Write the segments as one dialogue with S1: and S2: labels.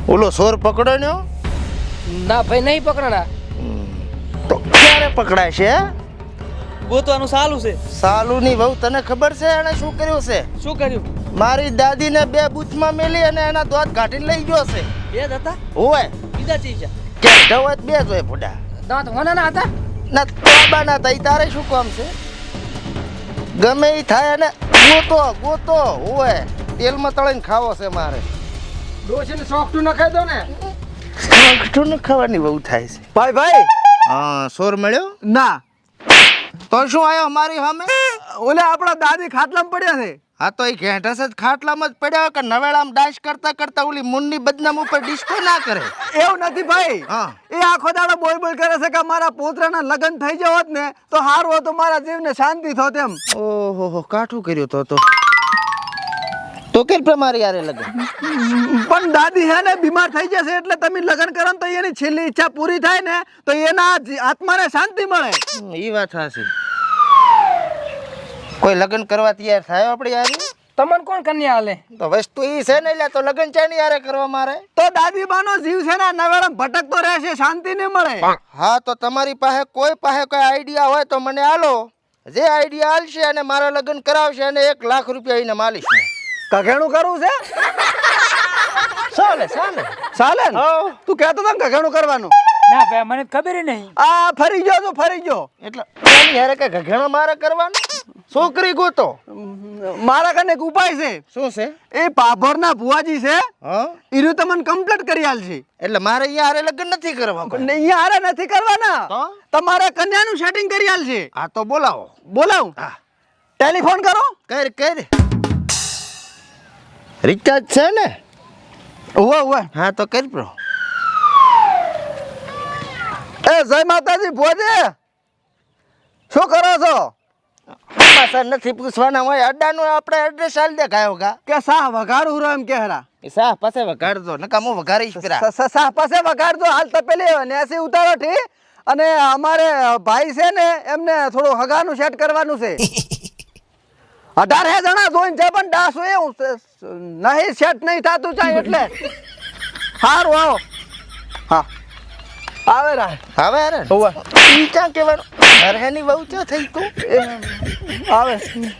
S1: ઓલો સોર પકડો ને
S2: ના ભાઈ નહીં પકડના.
S1: તો ક્યારે પકડાય છે?
S2: ગોતવાનું સાલું છે.
S1: સાલુની વહુ તને ખબર છે એને શું કર્યું છે?
S2: શું કર્યું?
S1: મારી દાદીને 2 બૂથમાં મેલી અને એના દોત કાઢીને લઈ ગયો છે.
S2: બે જ હતા?
S1: ઓય
S2: બીજા ચીજ છે.
S1: કે ઢવત 2 જોય ફોડા
S2: દાંત હોનાના હતા?
S1: ના તોબાના તઈ તારે શું કામ છે? ગમે ઈ થાય અને ગોતો ઓય તેલમાં તળીને ખાવો છે મારે.
S2: ડોશીને સોફ્ટું નખાઈ દો ને.
S1: સોફ્ટું ન ખાવાની બહુ થાય છે.
S3: ભાઈ
S1: હા સોર મળ્યો
S3: ના
S1: તો શું આયો અમારી સામે?
S3: ઓલે આપણા દાદી ખાટલામાં પડ્યા છે.
S1: હા તો એ ઘેંટસ જ ખાટલામાં જ પડ્યા કે નવેળામાં ડાશ કરતા ઓલી મુન્ની બદનામ ઉપર ડિસ્કો ના કરે.
S3: એવું નથી ભાઈ.
S1: હા
S3: એ આખો દાડો બોલ કરે છે કે મારા પોતરાના લગ્ન થઈ ગયા હોત ને તો હારું હતું, મારા જીવને શાંતિ થોત એમ.
S1: ઓહો કાઠું કર્યું તો કે મારી યારે લગન.
S3: પણ દાદી હે ને બીમાર થઈ જશે એટલે તમે લગ્ન કરો ને તો એની છેલ્લી ઈચ્છા પૂરી થાય ને તો એના આત્માને શાંતિ મળે.
S1: એ વાત સાચી. કોઈ લગ્ન કરવા તૈયાર થાય આપણે યાર?
S2: તમને કોણ કન્યા હાલે?
S1: તો વસ્તુ ઈ છે ને એટલે તો લગ્ન ચાની યારે કરવા મારે?
S3: તો દાદી બાનો જીવ છે ને નવેડમ ભટકતો રહેશે, શાંતિ નહીં મળે.
S1: હા તો તમારી પાસે કોઈ આઈડિયા હોય તો મને આલો. જે આઈડિયા આલશે અને મારા લગ્ન કરાવશે અને 1 લાખ રૂપિયા એને માલીશ ને.
S3: કઘેણું કરવું છે?
S1: ચાલે
S3: ચાલે ને? તું કહેતો તો ને કઘેણું કરવાનું.
S2: ના ભાઈ મને ખબર નહીં.
S3: આ ફરી ગયો
S1: એટલે એની હારે કઈ ઘઘેણો મારે કરવાનો? છોકરી ગોતો.
S3: મારા કને એક ઉપાય છે.
S1: શું છે?
S3: એ પાભરના ભુવાજી છે,
S1: હા
S3: ઈરું તમને કમ્પ્લીટ કરી આલશે.
S1: એટલે મારે અહીંયા હારે લગ્ન નથી કરવા.
S3: પણ અહીંયા હારે નથી કરવાના,
S1: તો
S3: તમારે કન્યાનું સેટિંગ કરી આલશે.
S1: હા તો બોલાવો.
S3: બોલાવ.
S1: હા
S3: ટેલિફોન કરો.
S1: કર રિચાર્જ છે ને?
S3: ઓવે
S1: હા તો કર પ્રો.
S3: એ જય માતાજી ભુવાજી, શું કરો છો?
S1: સર નથી પૂછવાના હોય અડ્ડાનું આપણે એડ્રેસ આલ દે કાયો કા
S3: કે સાહ વઘારું રહો એમ કે હરા.
S1: એ સાહ પાસે વગાડજો નકામો વઘારીશ પેલા.
S3: સાહ પાસે વઘારજો. હાલ તપેલી 80 ઉતારો ઠી. અને અમારે ભાઈ છે ને એમને થોડું હગાનું સેટ કરવાનું છે. 18 જણા જોઈને છે પણ ડાસ હોય એવું નહીં સેટ નહીં થતું ચાય એટલે. સારું આવો. હા આવે રા
S1: હવે અરે
S3: હોવે
S1: ઈ ક્યાં કહેવાનું? અરેની બહુ ક્યાં થઈ તું?
S3: આવે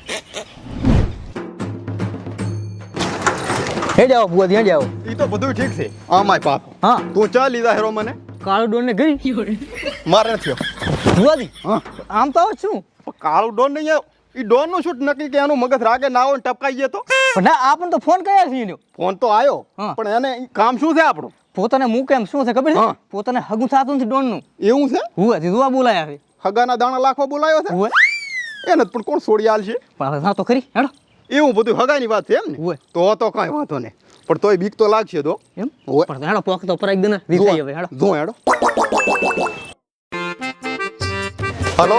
S3: હે જાઓ ભુવાજી, હે જાઓ.
S4: ઈ તો બધું ઠીક છે. આમાય પાપ.
S3: હા
S4: તું ચા લીધા હેરો મને?
S3: કાળું ડોન ને ગઈ
S4: મારે નથી.
S3: ભુવાજી.
S4: હા
S3: આમ તો આવું છું
S4: પણ કાળું ડોન નહીં આવ્યો. ઈ ડોન નું શૂટ નક્કી કે એનું મગજ રાગે ના હોય ને ટપકાઈ ગયો તો
S3: પણ ના આપણને તો ફોન કર્યા છે એનો.
S4: ફોન તો આવ્યો
S3: હા.
S4: પણ એને ઈ કામ શું છે આપણું?
S3: પોતાને મૂકે એમ શું છે ખબર છે?
S4: હા.
S3: પોતાને હગું થતું નથી ડોન નું.
S4: એવું છે?
S3: ભુવાજી જોવા બોલાયા છે.
S4: હગાના દાણા લાખો બોલાયો છે
S3: હુએ
S4: એને પણ કોણ છોડી આલ છે?
S3: પણ હવે ના તો ખરી હેડો.
S4: એવું બધું હગાની વાત છે એમ ને?
S3: હુએ
S4: તો કાંઈ વાંધો નહીં, પણ તોય બીક તો લાગશે તો.
S3: એમ
S4: હુએ
S3: પણ હેડો પોક તો પરાઈ દે ને રીસાઈ હવે હેડો.
S4: જો હેડો. હલો,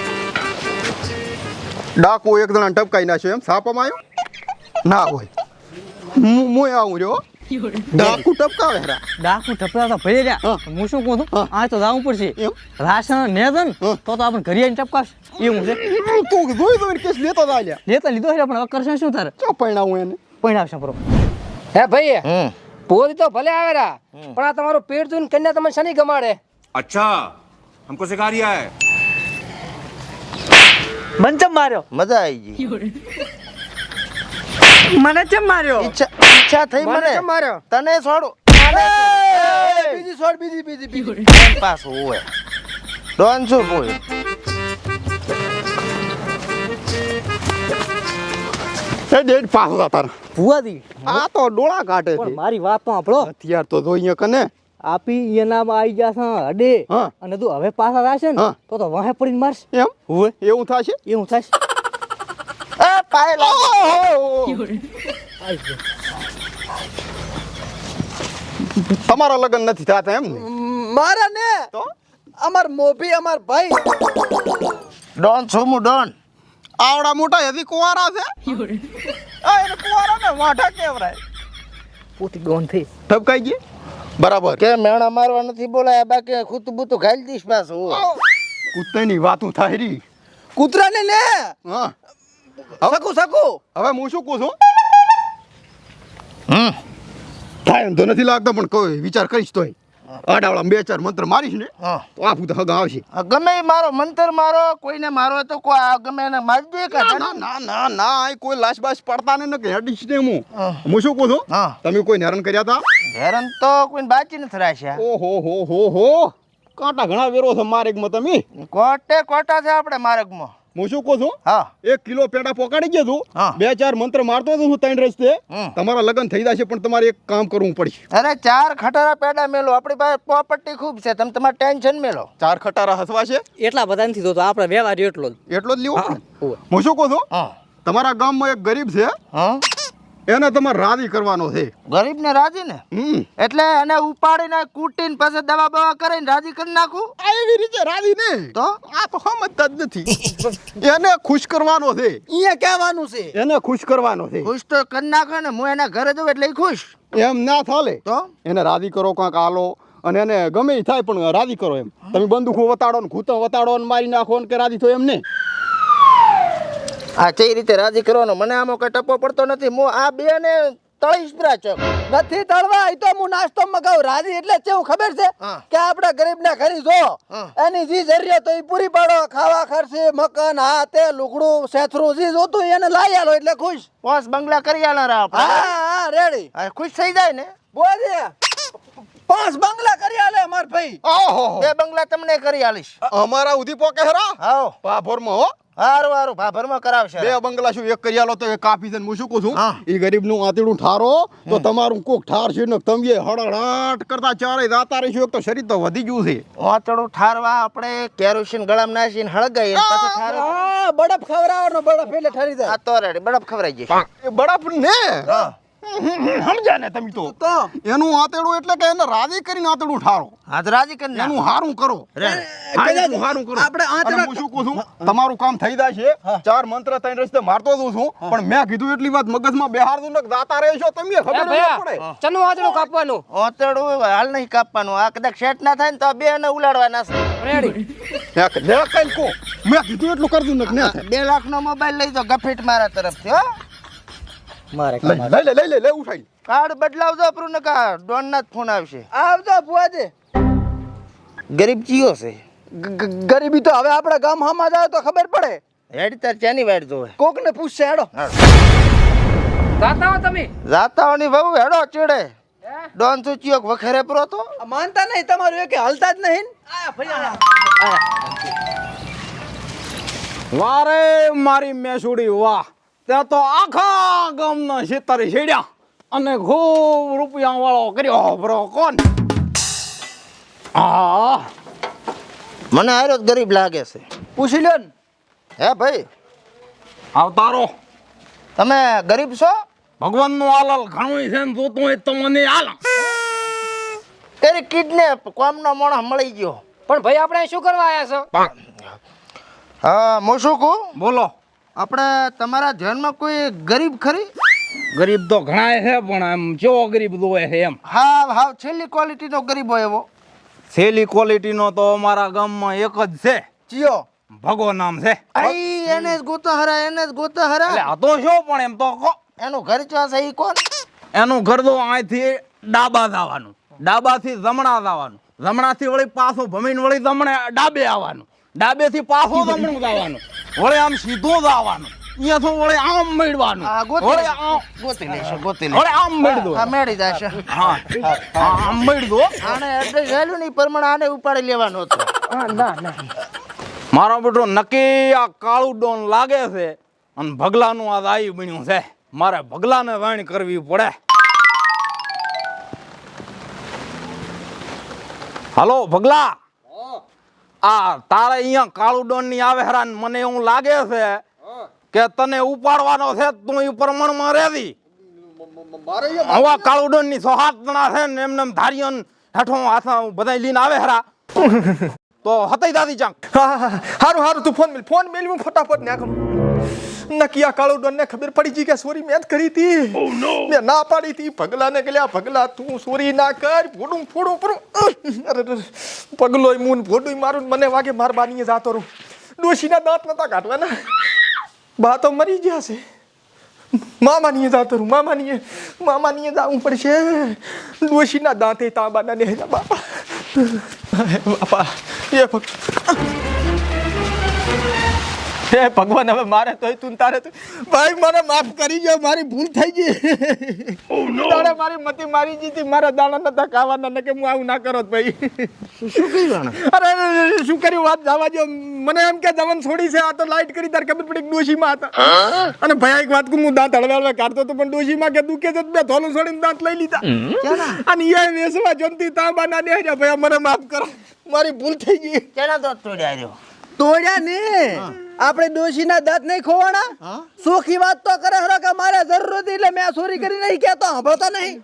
S4: ડાકુ એક જણા ટપકાઈ નાખ્યો એમ સાપામાં આવ્યો ના હોય. હું આવું રહ્યો. ડાકુ ટપકાવે હેરા.
S3: ડાકુ ટપરા તો ભરી રહ્યા.
S4: હા.
S3: હું શું કહું છું
S4: હા.
S3: આ તો જાવું પડશે.
S4: એમ
S3: રાશન ને દન
S4: હા.
S3: તો આપણે ઘરે આવીને ટપકાશ એવું છે.
S4: તું જોઈ કેસ લેતો ચાલ્યા.
S3: લેતા લીધો છે પણ હવે કરશે શું તારે?
S4: ચો પૈણાવું એને.
S3: પણ આવશે બરો.
S2: હે ભાઈ
S1: હમ
S2: પોરી તો ભલે આવેરા પણ આ તમારું પેટ જોઈને કન્યા તમને શની ગમાડે?
S5: अच्छा हमको सिखा रिया है.
S3: મન ચમ માર્યો?
S1: મજા આવી ગઈ.
S3: મને ચમ માર્યો?
S1: ઈચ્છા થઈ
S2: મને
S1: મને
S2: કેમ માર્યો?
S1: તને છોડું.
S3: બીજી છોડ બીજી.
S1: પાસ હોય ડોન શું બોલ?
S4: એ ડેડ પાછો જા તારા.
S3: ભુવાજી
S4: આ તો ડોળા કાઢે
S3: પણ
S4: છે.
S3: મારી વાત તો સાંભળો.
S4: હથિયાર તો જોઈએ કને.
S3: આપી એનામાં આવી જશે અડે
S4: હા.
S3: અને તું હવે પાછા રહેશે ને
S4: હા.
S3: તો વાહે પડીને મારશે.
S4: એમ
S3: હુએ
S4: એવું થશે?
S3: એવું થાય.
S1: એ પાય લાગ.
S4: તમારા લગ્ન નથી થતા એમ ને?
S3: મારા ને
S4: તો
S3: અમાર મોભી અમાર ભાઈ
S1: ડોન છું હું ડોન.
S4: આવડા મોટા હજી કુંવારા છે. આ એને કુંવારા ને વાઢા કેવરાય.
S3: પોતી ડોન થઈ.
S4: ટપકાઈ ગઈ બરાબર.
S1: કે મેણા મારવા નથી બોલાયા બાકી ખૂતું બૂતું ખાઈ દઈશ પાછું.
S4: કૂતરાની વાતું થાય રી.
S3: કૂતરાને ને
S4: હા
S3: સકુ
S4: હવે હું શું કહું છું?
S1: હમ
S4: થાય એમ તો નથી લાગતો પણ કોઈ વિચાર કરીશ તોય આડાવાળા 2-4 મંત્ર મારીશ ને
S1: હા
S4: તો આ ભૂત હગા આવશે.
S1: ગમે ઈ મારો મંતર મારો કોઈને મારો તો કોઈ આ ગમે એને મારી દે કે
S4: ના ના ના ના આ કોઈ લાશ બાશ પડતા ને કે હેડીશ ને હું
S1: હા.
S4: હું શું કહું છું
S1: હા
S4: તમે કોઈ હેરાન કર્યા હતા?
S1: હેરાન તો કોઈને બાચી નથી રાખ્યા.
S4: ઓહો હો હો હો કાંટા ઘણા વેરો છે માર્ગમાં તમે.
S1: કોટે કોટા છે આપણે માર્ગમાં.
S4: હું શું કહું છું
S1: હા
S4: 1 કિલો પેડા પોકાડી ગયો તું
S1: હા.
S4: 2-4 મંત્ર મારતો હતો હું 3 રસ્તે
S1: હમ.
S4: તમારા લગ્ન થઈ જશે પણ તમારે એક કામ કરવું પડશે.
S1: અરે 4 ખટારા પેડા મેલો આપણી પાસે પ્રોપર્ટી ખૂબ છે તમે તમારે ટેન્શન મેલો.
S4: 4 ખટારા હસવા છે
S2: એટલા બધા નથી તો આપણે વ્યવહાર એટલો જ.
S4: એટલો જ લેવો પડે.
S2: હોવે.
S4: હું શું કહું છું
S1: હા
S4: તમારા ગામમાં એક ગરીબ છે
S1: હા
S4: એને તમારે રાજી કરવાનો છે.
S1: ગરીબ ને રાજી ને એટલે એને ઉપાડીને કૂટીને પછી દવા બવા કરીને રાજી કરી નાખું.
S4: આ એવી રીતે રાજી ને
S1: તો
S4: આ તો સમજતા જ નથી. એને ખુશ કરવાનો છે.
S3: અહીંયા કહેવાનું છે
S4: એને ખુશ કરવાનો છે.
S1: ખુશ તો કરી નાખે ને હું એના ઘરે જઉં એટલે ઈ ખુશ.
S4: એમ ના થાલે
S1: તો
S4: એને રાજી કરો કાંક આલો અને એને ગમે ઈ થાય પણ રાજી કરો એમ. તમે બંદૂકો વતાડો ને ઘૂંટણ વતાડો ને મારી નાખો ને કે રાજી થયો એમ ને.
S1: આ કઈ રીતે રાજી કરવાનો મને આમાં કઈ ટપો પડતો નથી. હું આ બે ને તળીશ પ્રા ચોક.
S3: નથી તળવા એ તો હું નાસ્તો મગાવું રાજી એટલે કેવું ખબર છે
S1: હા.
S3: કે આપડા ગરીબ ના ઘરે જો
S1: હા.
S3: એની જી જરૂરિયાત હોય એ પૂરી પાડો ખાવા ખર્ચે મકાન હા તે લુગડું સેથરું જી જોતું હોય એને લાવી આલો એટલે ખુશ.
S1: પોસ બંગલા કરી આલા રા
S3: હા
S1: આપણે.
S3: હા રેડી
S1: આ ખુશ થઈ જાય ને.
S3: બોલે 5 બંગલા કરી આલે માર ભાઈ.
S4: ઓહો
S1: 2 બંગલા તમને કરી આલીશ.
S4: અમારા ઉધી પોકે હરા
S1: હાઓ
S4: પાભોરમાં હો
S1: હારું હારું ભાભરમાં કરાવશે.
S4: 2 બંગલા શું એક કરી આલો તો એ કાફી છે ને હું શું કહું છું
S1: હા.
S4: એ ગરીબનું આંતરડું ઠારો તો તમારું કોક ઠાર છે ને તમે હળહળાટ કરતા ચારે રાતા રહીશું. એક તો શરીર તો વધી ગયું છે.
S1: વાતડું ઠારવા આપણે કેરોસીન ગળામાં નાખીને હળગાઈએ ને પાછું ઠારવા.
S3: હા બરફ ખવડાવવાનો બરફ એટલે ઠરી જાય.
S1: આ તો રેડી બરફ ખવરાઈ જાય.
S4: એ બરફ ને
S1: હા
S4: સમજ્યા ને તમે તો એનું આંતરડું એટલે કે એને રાજી કરીને આંતરડું ઠારો
S1: હાથ રાજી કરી નાખ.
S4: એનું હારું કરો. હા, એનું હારું કરો.
S3: આપણે આંતરડા-
S4: અને હું શું કહું છું તમારું કામ થઈ જાય છે 4 મંત્ર 3 રસ્તે મારતો જ છું પણ મેં કીધું એટલી વાત મગજમાં બેહાર દઉં ને કે દાતા રહેશો તમે ખબર ન પડે.
S2: ચનું વાંચડું કાપવાનું
S1: ઓતડું હાલ નહીં કાપવાનું. આ કદાચ સેટ ના થાય ને તો બે ને ઉલાડવાના છે.
S2: રેડી.
S4: મેં કઈ કહો મેં કીધું એટલું કરી દઉં ને કે ના થાય.
S1: 2 લાખનો મોબાઈલ લઈ જાઓ ગફેટ મારા તરફથી હો.
S2: મારે
S4: લઈ ઉઠાઈ.
S1: કાર્ડ બદલાવજો આપણું ને કા ડોન ના જ ફોન આવશે.
S3: આવજો બુઆજી.
S1: ગરીબ ચિયો છે.
S3: ગરીબી તો હવે આપણા ગામ હામાં જાય તો ખબર પડે.
S1: હેડ તાર ચાની વાડ જોવે.
S3: કોક ને પૂછશે હેડો.
S2: જાતા હો તમે.
S1: જાતાઓની બહુ હેડો ચીડે. ડોન તું ચિયો વખરે પરો તો.
S3: આ માનતા નહીં તમારું એક હાલતા જ નહીં. આયા ફરી
S6: વારે મારી મેસુડી વાહ ત્યાં તો આખા ગામના શેતરે છેડ્યા અને ખૂબ રૂપિયા વાળો કર્યો બ્રો કોણ. હા
S1: મને હારો જ ગરીબ લાગે છે.
S3: પૂછી લ્યો ને.
S1: હે ભાઈ
S6: આવતારો
S1: તમે ગરીબ છો?
S6: ભગવાનનું આલાલ ઘણું છે ને જોતું હોય તો મને આલ.
S1: તેરી કિડનેપ કોમનો મોણો મળી ગયો.
S2: પણ ભાઈ આપણે શું કરવા આવ્યા છો?
S1: હા હું શું કહું
S6: બોલો.
S1: આપણે તમારા ધ્યાનમાં કોઈ ગરીબ ખરી?
S6: ગરીબ તો ઘણા છે પણ એમ કેવો ગરીબ જોવે છે એમ.
S1: હાવ છેલ્લી ક્વોલિટીનો ગરીબ હોય એવો.
S6: સેલી ક્વોલિટીનો તો અમારા ગામમાં એક જ છે.
S1: ચિયો
S6: ભગો નામ છે.
S1: આઈ એને જ ગોતો હરા એને જ ગોતો
S6: એટલે
S1: હરા.
S6: આ તો શું પણ એમ તો કહો.
S1: એનું ઘર ચા છે ઈ કોણ?
S6: એનું ઘર તો અહીંથી ડાબા જવાનું, ડાબાથી જમણા જવાનું, જમણાથી વળી પાછું ભમીને વળી જમણે ડાબે આવવાનું, ડાબેથી પાછું જમણું જવાનું, વળી આમ સીધું જવાનું, અહીંયાથી વળી આમ મેળવાનું,
S1: આ
S6: વળી આમ
S1: ગોતી લેશે ગોતી
S6: વળી આમ મેળદો.
S1: હા મેળી જશે.
S6: હા આમ મેળદો.
S1: આને એડ્રેસ આલ્યું ને ઈ પ્રમાણે આને ઉપાડી લેવાનો હતો.
S6: મારો બેટો નક્કી આ કાળું ડોન લાગે છે અને ભગલાનું આ આયુ બન્યું છે. મારે ભગલાને વાણ કરવી પડે. હાલો ભગલા, આ તારે અહીંયા કાળું ડોન ની આવે હેરાન મને એવું લાગે છે કે તને ઉપાડવાનો છે તું એ પ્રમાણમાં રેવી. હવે કાળું ડોન ની 6-7 જણા છે ને એમને ધારીઓ હેઠો હાથ બધા લઈને આવે હેરા તો હતાઈ દાદી ચાંક.
S7: હારું તું ફોન મેલ હું ફટાફટ નાખું. નકિયા કાળો ડોન ને ખબર પડી ગઈ કે સોરી મેં જ કરી હતી. મેં ના પાડી હતી ભગલાને ગલ્યા ભગલા તું સોરી ના કર ફોડું અરે પગલોય મૂન ફોડું મારું મને વાગે માર બાનીએ જાતો રહું. ડોશીના દાંત નતા કાઢવાના બા તો મરી ગયા છે. મામાનીએ જાતો રહું મામાનીએ જવું પડશે ડોશીના દાંતે તાંબાના ને બાપા બાપા હે ભગવાન હવે મારે તોય તું તારે તો ભાઈ મને માફ કરી દો મારી ભૂલ થઈ ગઈ તારે મારી મતી મારી જીતી મારા દાણા નતા ખાવાના ને કે હું આવું ના કરો ભાઈ
S1: શું કર્યું
S7: અરે શું કર્યું વાત જવા દો મને એમ કે જવન છોડી છે આ તો લાઈટ કરી તાર ખબર પડી ડોશીમાં હતા અને ભાઈ એક વાત હું દાંત હળવે કાઢતો તો પણ ડોશીમાં કે દુખે છે બે થોલું છોડીને દાંત લઈ લીધા અને એ વેસવા જમતી તાંબાના ને ભાઈ મને માફ કરો મારી ભૂલ થઈ ગઈ
S1: કેના દોત તોડ્યા રહ્યો
S3: તોડ્યા ને આપણે ડોશીના દાંત નહીં ખોવાના સુખી વાત તો કરે હરો કે મારે જરૂર હતી એટલે મેં ચોરી કરી નહીં કહેતો સાંભળતો નહીં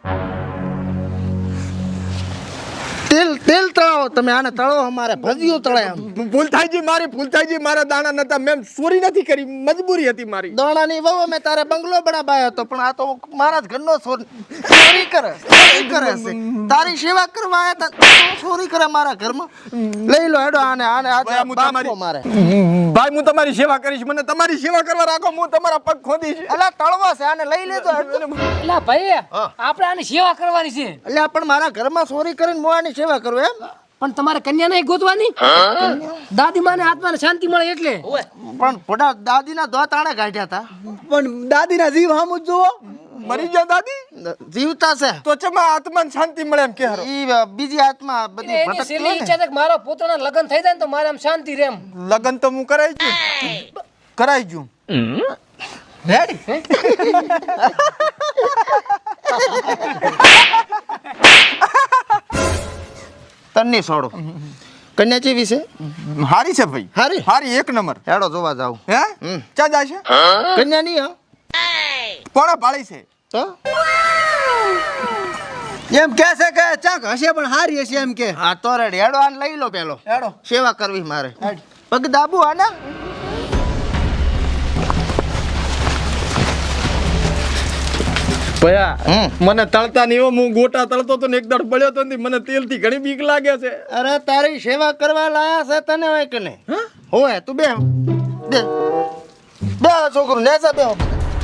S1: તેલ તળાવો તમે આને તળો અમારે ભજીયું તળાય
S7: ભૂલ થઈ ગઈ મારી ભૂલ થઈ ગઈ મારા દાણા નતા મેં ચોરી નથી કરી મજબૂરી હતી મારી
S1: દોણાની વહુ મેં તારે બંગલો બનાવાયો હતો પણ આ તો મારા જ ઘરનો ચોરી કરે છે તારી સેવા કરવા આવ્યા તા ચોરી કરે મારા ઘરમાં લઈ લો હેડો આને આજે બાપો મારે
S7: ભાઈ હું તમારી સેવા કરીશ મને તમારી સેવા કરવા રાખો હું તમારા પગ ખોદીશ
S1: અલા તળવો છે આને લઈ લેજો
S2: એટલે ભાઈ આપણે આની સેવા કરવાની છે
S1: એટલે પણ મારા ઘરમાં ચોરી કરીને હું આની સેવા કરું એમ
S2: પણ તમારે કન્યા નહીં ગોતવાની દાદી માને આત્માને શાંતિ મળે એટલે
S1: પણ પોડા દાદીના દોત આણે કાઢ્યા હતા
S3: પણ દાદીના જીવ હામું જ જુઓ
S7: મરી ગયા દાદી
S1: જીવતા છે
S7: તો ચમા આત્માને શાંતિ મળે એમ કે હારો
S1: ઈ બીજી આત્મા બધી
S2: એની
S1: ભટકતી
S2: છેલ્લી
S1: હોય ને.
S2: ઈચ્છા છે કે મારો પુત્રના લગ્ન થઈ જાય ને તો મારે આમ શાંતિ રહે એમ
S7: લગન તો હું કરાઈ ગયું
S1: તન્ની છોડો કન્યા ચેવી છે
S7: હારી છે ભાઈ
S1: હારી
S7: હારી એક નંબર
S1: હેડો જોવા જાવ
S7: હે ચા જાય છે
S1: કન્યા નહીં હા
S7: કોણે પાળી છે
S1: તો
S3: એમ કે છે કે ચાક હશે પણ હારી હશે એમ કે
S1: હા તો રેડી હેડો આને લઈ લો પેલો
S3: હેડો
S1: સેવા કરવી મારે પગ દાબુ આના
S7: ભયા મને તળતા નહીં હું ગોટા તળતો તો ને એક દાડ બળ્યો તો ને મને તેલ થી ઘણી બીક લાગે છે
S1: અરે તારી સેવા કરવા લાયા છે તને હોય કે નહીં હોય તું બે બે બે છોકરું નેસા બે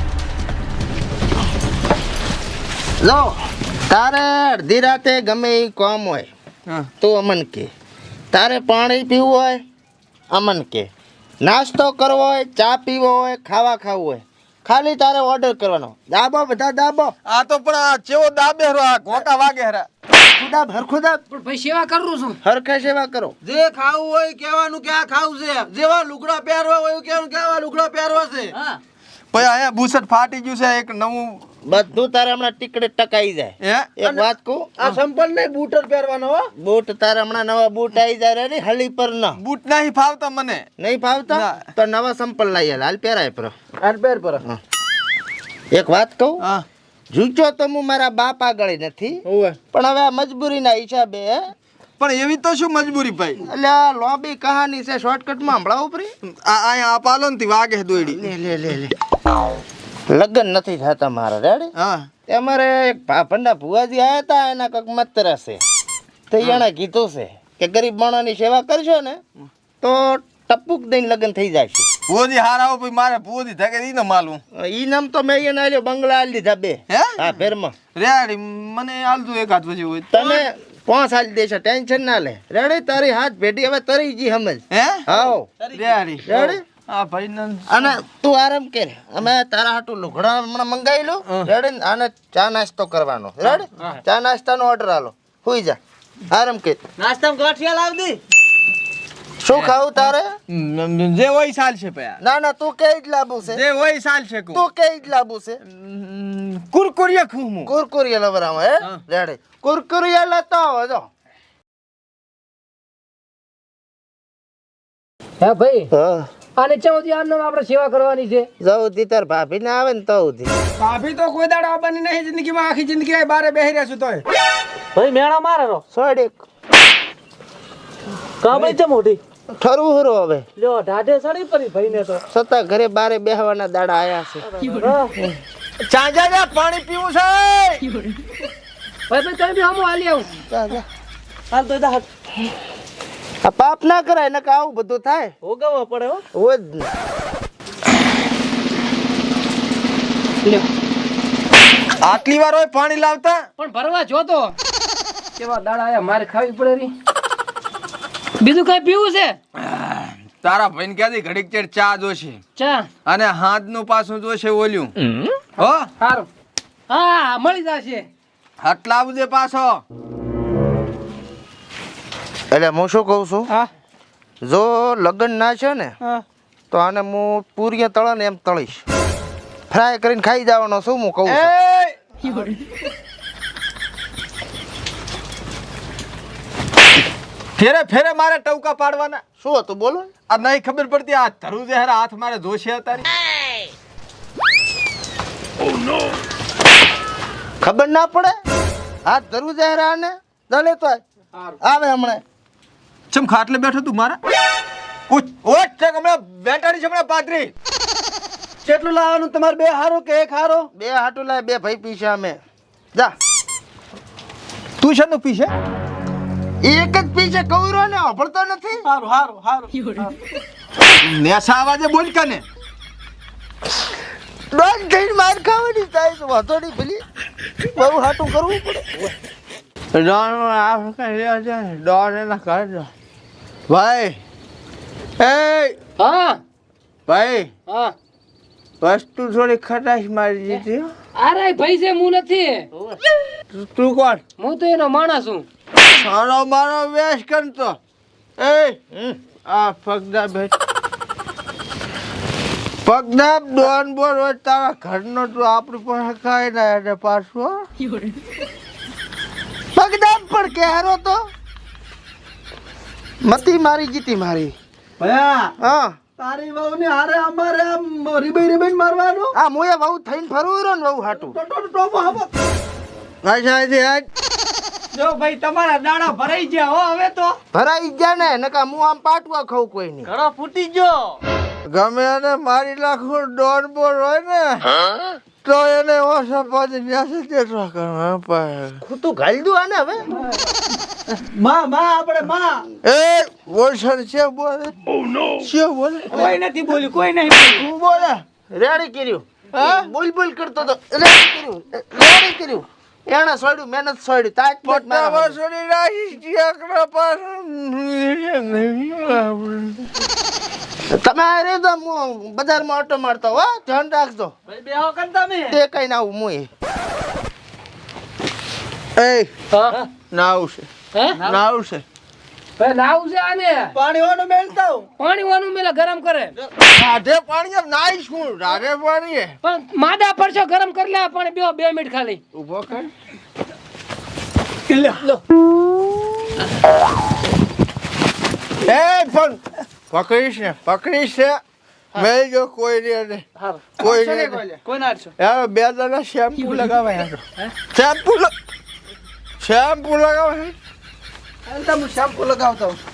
S1: લો તારે અડધી રાતે ગમે એ કામ હોય તો અમન કે તારે પાણી પીવું હોય અમન કે નાસ્તો કરવો હોય ચા પીવો હોય ખાવા ખાવું હોય ખાલી તારે ઓર્ડર કરવાનો દાબો બધા દાબો
S7: આ તો પણ આ ચેવો દાબે રો આ ઘોટા વાગે હરા
S1: ખુદા ભરખુદા
S2: પણ ભાઈ સેવા કરું છું
S1: હરખે સેવા કરો
S3: જે ખાવું હોય કહેવાનું કે આ ખાવું છે જેવા લુગડા પહેરવા હોય કહેવાનું કે આવા લુગડા પહેરવા છે
S7: ભયા અહીંયા બુસટ ફાટી ગયું છે એક નવું
S1: બધું તારે હમણાં ટીકડે ટકાઈ જાય
S7: હે
S1: એક વાત કહું
S3: આ સંપલ નહીં બૂટર પહેરવાનો હો
S1: બૂટ તારે હમણાં નવા બૂટ આવી જાય રે હળી પર ન
S7: બૂટ નહીં ફાવતા મને
S1: નહીં ફાવતા
S7: ના.
S1: તો નવા સંપલ લઈ હાલ પહેરાય પર
S3: આ પહેર પર
S1: એક વાત કહું
S7: હા
S1: જૂચો તો હું મારા બાપ આગળ નથી
S3: ઓવે
S1: પણ હવે આ મજબૂરીના હિસાબે
S7: પણ એવી તો શું મજબૂરી ભાઈ
S1: એટલે આ લોબી કહાની છે શોર્ટકટમાં હમણાં ઉપરી
S7: આ અહીંયા આ પાલો ને વાગે દોડી
S1: લે લે લે લે લગ્ન નથી થતા મારા રેડી
S7: હા
S1: તે અમારે એક ભાભંડા ભુવાજી આવ્યા હતા એના કંઈક મત્ર છે તો એણે કીધું છે કે ગરીબ માણસની સેવા કરશો ને તો ટપુક દઈને લગ્ન થઈ જાય છે
S7: ભુવોજી હાર આવો ભાઈ મારે ભુવોજી થકે ઈ ન માલું
S1: ઈ નામ તો મેં એને આલ્યો બંગલા આલી દીધા બે
S7: હે
S1: હા ફેરમાં
S7: રેડી મને આલતું એક હાથ પછી હોય
S1: તને 5 આલી દેશે ટેન્શન ના લે રેડી તારી હાથ ભેટી હવે તરી જી સમજ
S7: હે
S1: હાઉ
S7: રેડી
S1: રેડી
S7: હા ભાઈ નંદ
S1: અને તું આરામ કર અમે તારા હાટું લુગડા હમણાં મંગાવી લો રેડી આને ચા નાસ્તો કરવાનો રેડી ચા નાસ્તાનો ઓર્ડર આલો હુઈ જા આરામ કર
S3: નાસ્તામાં ગાંઠિયા લાવ દી
S1: શું ખાવું તારે
S7: જે હોય સાલ છે પયા
S1: ના ના તું કે જ લાબુ છે
S7: જે હોય સાલ છે કુ
S1: તું કે જ લાબુ છે
S7: કુરકુરિયા ખું હું
S1: કુરકુરિયા લવરામાં હે રેડી કુરકુરિયા લેતો આવો જો
S2: હે ભાઈ
S1: હા
S2: આને ચૌથી આનો આપણે સેવા કરવાની છે
S1: જઉં તાર ભાભી ને આવે ને તો
S2: ભાભી તો કોઈ દાડો આવવાની નહીં જિંદગીમાં આખી જિંદગી બારે બેહી રહ્યા છું તોય
S3: ભાઈ મેળા મારે રો
S1: સોડેક
S3: કાબળી છે મોટી
S1: ઠરવું હરો હવે
S3: લ્યો ઢાઢે સડી પડી ભાઈ ને તો
S1: છતાં ઘરે બારે બેહવાના દાડા આયા છે
S7: ચાંજા પાણી પીવું છે
S2: ભાઈ ભાઈ તમે બી હમો હાલી આવું
S1: જા, જા.
S3: હાલ તો દા
S1: આ પાપ ના કરાય ને આવું બધું થાય
S3: ભોગવવા પડે હો
S1: હોય જ ને
S2: લ્યો.
S7: આટલી વાર હોય પાણી લાવતા
S2: પણ ભરવા જોતો કેવા દાડા આયા મારે ખાવી પડે રી. બીજું કઈ પીવું છે?
S7: તારા ભાઈને ક્યાંથી ઘડીક ચેડ ચા જોશે
S2: ચા.
S7: અને હાથનું પાછું જોશે ઓલ્યું હો
S2: સારું. હા મળી જશે.
S7: આટલા બધે પાછો
S1: એટલે હું શું કહું છું,
S2: હા
S1: જો લગ્ન ના છે ને
S2: હા.
S1: તો આને હું પૂરીએ તળે ને એમ તળીશ, ફ્રાય કરીને ખાઈ જવાનો શું હું કહું છું.
S7: ફેરે ફેરે મારે ટવકા પાડવાના
S1: શું હતું બોલો ને?
S7: આ નહીં ખબર પડતી આ ધરું જહેરા હાથ મારે જોશે તારી
S1: ખબર ના પડે હાથ ધરવું જાય ને ચાલે તો આવે હમણાં.
S7: ચમ ખાટલે બેઠો તું મારા ઓટ છે હમણાં બેટાડી છે હમણાં પાતરી
S3: કેટલું લાવવાનું તમારે? બે હારો કે એક હારો?
S1: બે હાટું લાય, બે ભાઈ પીશે અમે. જા
S7: તું છે નું પીશે
S1: એક જ પીશે કવરો ને અભળતો નથી.
S3: હારું હારું હારું.
S7: નેસા અવાજે બોલ કને
S1: ડોન થઈને માર ખાવાની થાય તો વાંધો નહીં પેલી બહુ હાટું કરવું પડે.
S7: ડોન એના ઘર જો ભાઈ એ
S2: હા
S7: ભાઈ
S2: હા.
S7: વસ્તુ થોડી ખટાશ મારી દીધી
S2: અરે ભાઈ છે હું નથી.
S7: તું કોણ
S2: હું તો એનો માણસ છું.
S7: સારો મારો વેશ કરતો એ આ પગદા બેઠ પગદા ડોન બોલ હોય તારા ઘરનો તું આપણી પાસે ખાઈ ના એટલે પાછું
S1: પગદામ પણ કે હારો તો મતી મારી જીતી મારી.
S3: ભયા
S1: હા
S3: તારી વહુ ને હારે અમારે આમ રીબાઈ રીબાઈ મારવાનું.
S1: આ મોએ બહુ થઈને ફરવું રહ્યો ને બહુ હાટું.
S3: ટોપો હાપો. જો ભાઈ તમારા દાડા ભરાઈ ગયા હો હવે તો.
S1: ભરાઈ ગયા ને નકા હું આમ પાટવા ખાઉં કોઈ નહીં.
S3: ઘણો ફૂટી ગયો.
S7: ગમે એને મારી નાખું ડોન બોલ હોય ને તો એને ઓછા પાછી ન્યાસે કેટલા કરવા
S1: તું ઘાલી દઉં આને હવે.
S3: માં આપણે માં.
S7: એ બોલ છે બોલે છે બોલે
S3: કોઈ નથી બોલ્યું, કોઈ નહીં બોલ્યું.
S1: તું બોલે રેડી કર્યું. હા બોલ બોલ કરતો તો રેડી કર્યું, રેડી કર્યું. એણે છોડ્યું, મહેનત છોડી, તાજ પોટ
S7: પટ્ટા
S1: મારા
S7: વસૂલી રાખી ટીકડા પાસે
S1: તમે આ રે તો હું બજારમાં ઓટો મારતો હો, ધ્યાન રાખજો.
S3: ભાઈ બેહો કન તમે.
S1: તે કઈ ના આવું મુએ.
S7: એ
S2: હા
S7: નાવ છે
S2: હે
S7: નાવ છે
S2: ભાઈ લાવું છે આને.
S3: પાણી વાનું મેલતા હું.
S2: પાણી વાનું મેલા ગરમ કરે.
S7: રાધે પાણી એમ નાઈ છું રાધે પાણી
S2: પણ માદા પડશો ગરમ કરી લે પાણી બે 2 મિનિટ ખાલી.
S7: ઉભો કર
S2: લો
S7: એ પણ પકડીશ ને મેં જો કોઈ નહીં કોઈ નહીં
S3: કોઈ ના આડશો.
S7: યાર બે દાડા શેમ્પુ લગાવે શેમ્પુ લગાવે
S3: તમે શેમ્પુ લગાવતા હું.